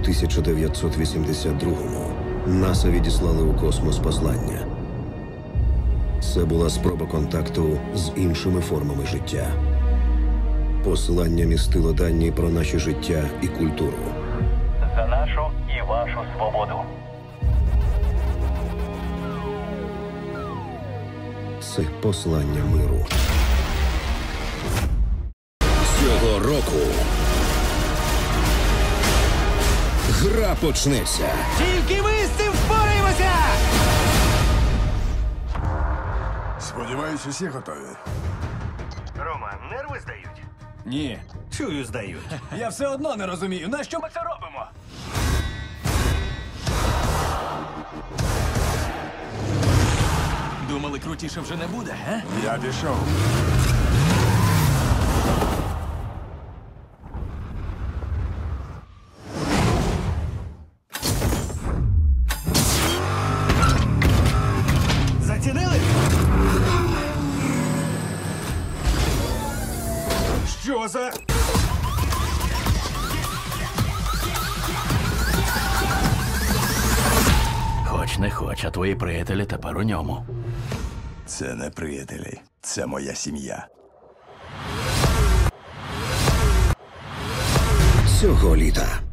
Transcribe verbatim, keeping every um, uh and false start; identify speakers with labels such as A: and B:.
A: тисяча дев'ятсот вісімдесят другому НАСА відіслали у космос послання. Це була спроба контакту з іншими формами життя. Послання містило дані про наше життя і культуру.
B: За нашу і вашу свободу.
A: Це послання миру. Цього року гра почнеться.
C: Тільки ми з цим впораємося!
D: Сподіваюсь, усі готові.
B: Рома, нерви здають?
C: Ні,
B: Чую, здають.
C: я все одно не розумію, на що ми це робимо? Думали, крутіше вже не буде, га?
D: Я пішов.
B: Зацінили?
C: Що за...
E: Хоч не хоч, а твої приятелі тепер у ньому.
D: Це не приятелі. Це моя сім'я.
A: Цього літа